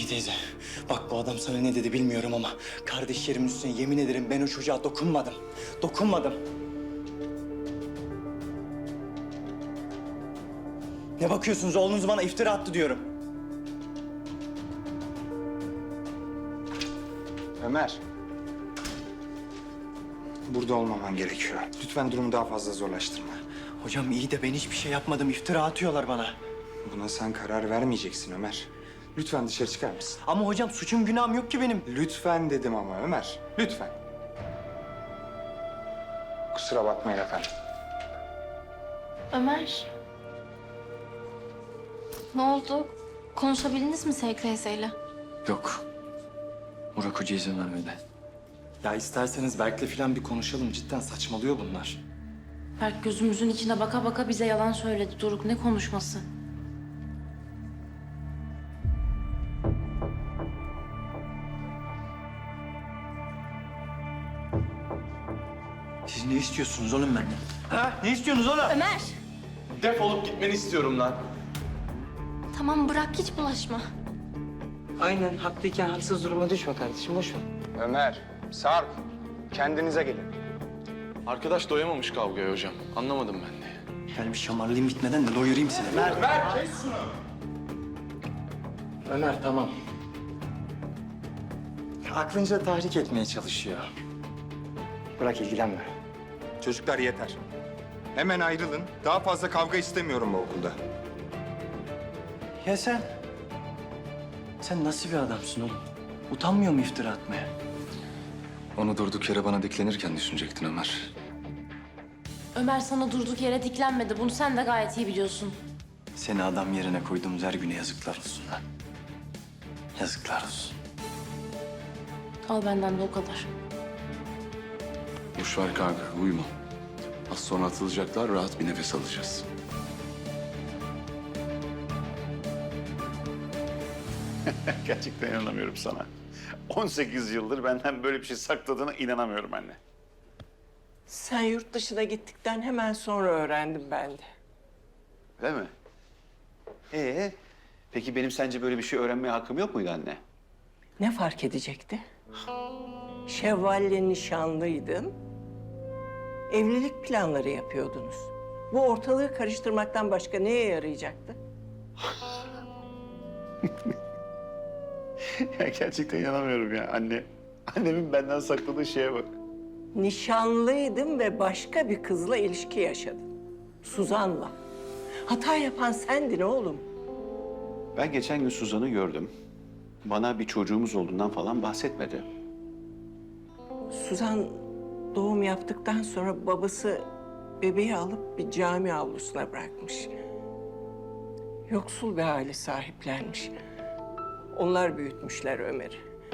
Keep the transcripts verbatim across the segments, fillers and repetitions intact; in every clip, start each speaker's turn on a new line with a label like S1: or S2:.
S1: teyze, bak bu adam sana ne dedi bilmiyorum ama kardeşlerimin üstüne yemin ederim ben o çocuğa dokunmadım. Dokunmadım. Ne bakıyorsunuz? Oğlunuz bana iftira attı diyorum.
S2: Ömer. Burada olmaman gerekiyor. Lütfen durumu daha fazla zorlaştırma.
S1: Hocam iyi de ben hiçbir şey yapmadım. İftira atıyorlar bana.
S2: Buna sen karar vermeyeceksin Ömer. Lütfen dışarı çıkar mısın?
S1: Ama hocam suçum günahım yok ki benim.
S2: Lütfen dedim ama Ömer. Lütfen. Kusura bakmayın efendim.
S3: Ömer. Ne oldu? Konuşabildiniz mi Sevgi teyzeyle?
S1: Yok. Burak Hoca izin vermedi. Ya isterseniz Berk'le falan bir konuşalım. Cidden saçmalıyor bunlar.
S3: Berk gözümüzün içine baka baka bize yalan söyledi. Doruk ne konuşması?
S1: Siz ne istiyorsunuz oğlum benden? Ha? Ne istiyorsunuz oğlum?
S3: Ömer!
S4: Defolup gitmeni istiyorum lan.
S3: Tamam bırak hiç bulaşma.
S5: Aynen haklıyken haksız duruma düşme kardeşim, boş ver.
S2: Ömer, Sarp. Kendinize gelin.
S4: Arkadaş doyamamış kavgaya hocam. Anlamadım ben de.
S1: Yani bir şamarlayayım bitmeden de doyurayım seni. Ver. Ömer tamam. Aklınca tahrik etmeye çalışıyor. Bırak ilgilenme.
S2: Çocuklar yeter. Hemen ayrılın. Daha fazla kavga istemiyorum bu okulda.
S1: Ya sen? Sen nasıl bir adamsın oğlum? Utanmıyor mu iftira atmaya?
S6: Onu durduk yere bana diklenirken düşünecektin Ömer.
S3: Ömer sana durduk yere diklenmedi. Bunu sen de gayet iyi biliyorsun.
S1: Seni adam yerine koyduğumuz her güne yazıklar olsun lan. Yazıklar olsun.
S3: Al benden de o kadar.
S6: Boş ver kanka, uyuma. Az sonra atılacaklar, rahat bir nefes alacağız.
S7: Gerçekten inanamıyorum sana. on sekiz yıldır benden böyle bir şey sakladığına inanamıyorum anne.
S5: Sen yurt dışına gittikten hemen sonra öğrendim ben de.
S7: Öyle mi? Ee, peki benim sence böyle bir şey öğrenmeye hakkım yok muydu anne?
S5: Ne fark edecekti? Şevval'le nişanlıydın. Evlilik planları yapıyordunuz. Bu ortalığı karıştırmaktan başka neye yarayacaktı?
S7: Ya gerçekten inanamıyorum ya anne. Annemin benden sakladığı şeye bak.
S5: Nişanlıydın ve başka bir kızla ilişki yaşadın. Suzan'la. Hata yapan sendin oğlum.
S7: Ben geçen gün Suzan'ı gördüm. Bana bir çocuğumuz olduğundan falan bahsetmedi.
S5: Suzan doğum yaptıktan sonra babası bebeği alıp bir cami avlusuna bırakmış. Yoksul bir aile sahiplenmiş. Onlar büyütmüşler Ömer'i.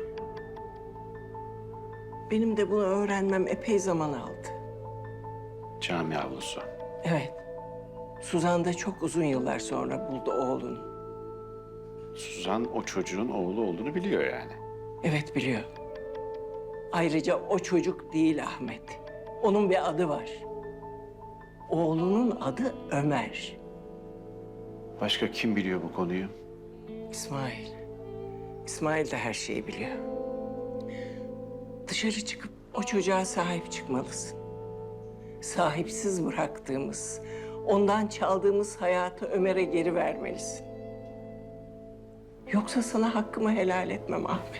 S5: Benim de bunu öğrenmem epey zaman aldı.
S7: Cami avlusu.
S5: Evet. Suzan da çok uzun yıllar sonra buldu oğlunu.
S7: Suzan o çocuğun oğlu olduğunu biliyor yani.
S5: Evet biliyor. Ayrıca o çocuk değil Ahmet. Onun bir adı var. Oğlunun adı Ömer.
S7: Başka kim biliyor bu konuyu?
S5: İsmail. İsmail de her şeyi biliyor. Dışarı çıkıp o çocuğa sahip çıkmalısın. Sahipsiz bıraktığımız, ondan çaldığımız hayatı Ömer'e geri vermelisin. Yoksa sana hakkımı helal etmem Ahmet.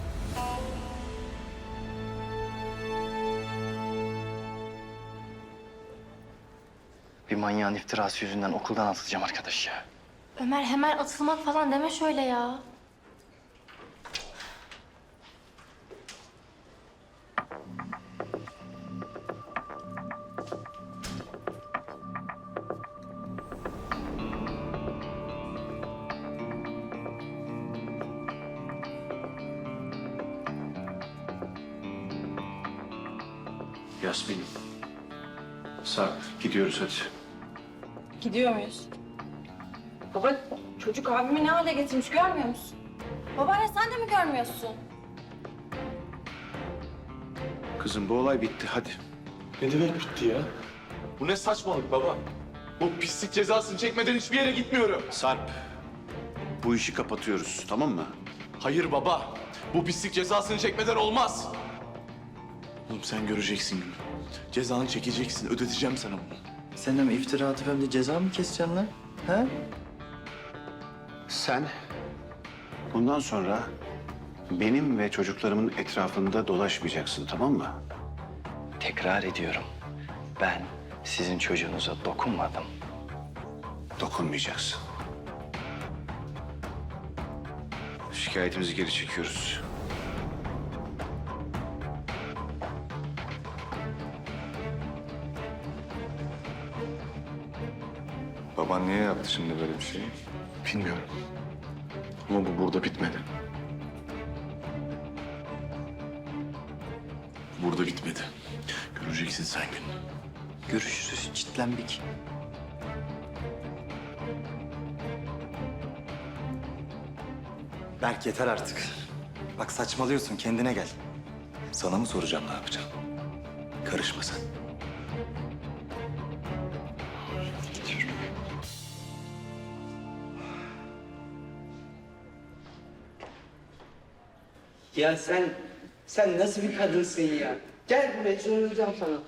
S1: Bir manyağın iftirası yüzünden okuldan atılacağım arkadaş ya.
S3: Ömer hemen atılmak falan deme şöyle ya.
S7: Yasmin. Sarp, gidiyoruz hadi.
S8: Gidiyor muyuz? Baba çocuk abimi ne hale getirmiş görmüyor musun? Babaanne sen de mi görmüyorsun?
S7: Kızım bu olay bitti hadi.
S4: Ne demek bitti ya? Bu ne saçmalık baba? Bu pislik cezasını çekmeden hiçbir yere gitmiyorum.
S7: Sarp, bu işi kapatıyoruz tamam mı?
S4: Hayır baba. Bu pislik cezasını çekmeden olmaz. Oğlum sen göreceksin günü. Cezanı çekeceksin. Ödeteceğim sana bunu.
S1: Sen hem iftira atıp hem de ceza mı keseceksin lan? Ha?
S7: Sen bundan sonra benim ve çocuklarımın etrafında dolaşmayacaksın, tamam mı?
S9: Tekrar ediyorum. Ben sizin çocuğunuza dokunmadım.
S7: Dokunmayacaksın. Şikayetimizi geri çekiyoruz.
S2: Baban niye yaptı şimdi böyle bir şey?
S4: Bilmiyorum. Ama bu burada bitmedi. Burada bitmedi. Göreceksin sen gününü.
S1: Görüşürüz çitlenbik. Berk yeter artık. Bak saçmalıyorsun, kendine gel.
S6: Sana mı soracağım ne yapacağım? Karışma sen.
S5: Ya sen, sen nasıl bir kadınsın ya? Gel buraya, sarılacağım sana.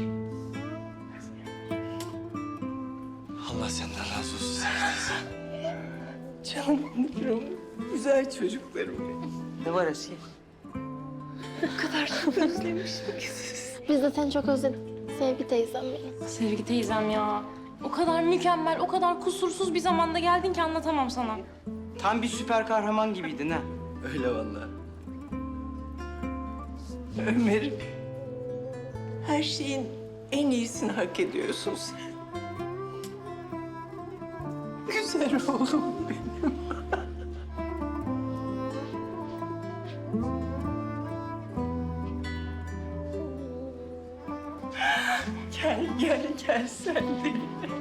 S1: Allah senden razı olsun.
S5: Canlarım, güzel çocuklarım benim. Ne var Asiye?
S10: Biz de seni çok özledik. Sevgi teyzem benim.
S3: Sevgi teyzem ya. O kadar mükemmel, o kadar kusursuz bir zamanda geldin ki anlatamam sana.
S5: Tam bir süper kahraman gibiydin ha.
S1: Öyle vallahi.
S5: Ömer'im, her şeyin en iyisini hak ediyorsun sen. Güzel oğlum benim. Gel, gel, gel sen de.